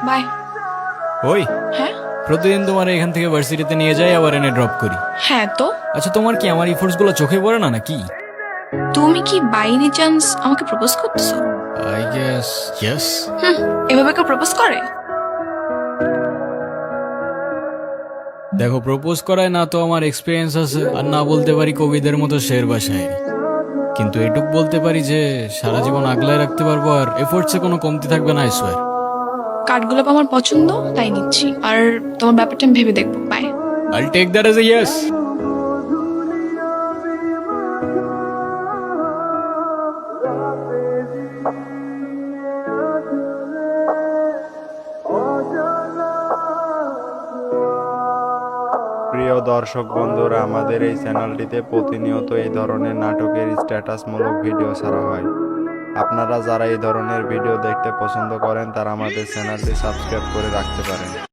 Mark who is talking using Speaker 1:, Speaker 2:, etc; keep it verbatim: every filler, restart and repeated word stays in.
Speaker 1: By.
Speaker 2: ওই
Speaker 1: হ্যাঁ
Speaker 2: প্রতিদিন তোমার এখান থেকে ভার্সিটিতে নিয়ে যাই আবার এনে ড্রপ করি।
Speaker 1: হ্যাঁ তো
Speaker 2: আচ্ছা তোমার কি আমার ইফোর্টস গুলো চোখে পড়ে না নাকি?
Speaker 1: তুমি কি বাই এনি চান্স আমাকে প্রপোজ করতেছো?
Speaker 2: I guess yes.
Speaker 1: হুম, এভাবে কেউ প্রপোজ করে?
Speaker 2: দেখো প্রপোজ করায় না তো আমার এক্সপিরিয়েন্স আছে, আর না বলতে পারি কবিদের মতো শের বা শায়েরি, কিন্তু এটুক বলতে পারি যে সারা জীবন আগলায় রাখতে পারবো আর এফোর্টসে কোনো কমতি থাকবে না, আই সোয়ার।
Speaker 1: কাঠগোলাপ আমার পছন্দ, তাই নিচ্ছি। আর তোমার ব্যাপারটা আমি ভেবে দেখবো। Bye.
Speaker 2: I'll take that as a yes.
Speaker 3: প্রিয় দর্শক বন্ধুরা, আমাদের এই চ্যানেলটিতে প্রতিনিয়ত এই ধরনের নাটকের স্ট্যাটাসমূলক ভিডিও ছাড়া হয়। আপনারা যারা এই ধরনের ভিডিও দেখতে পছন্দ করেন তারা আমাদের চ্যানেলটি সাবস্ক্রাইব করে রাখতে পারেন।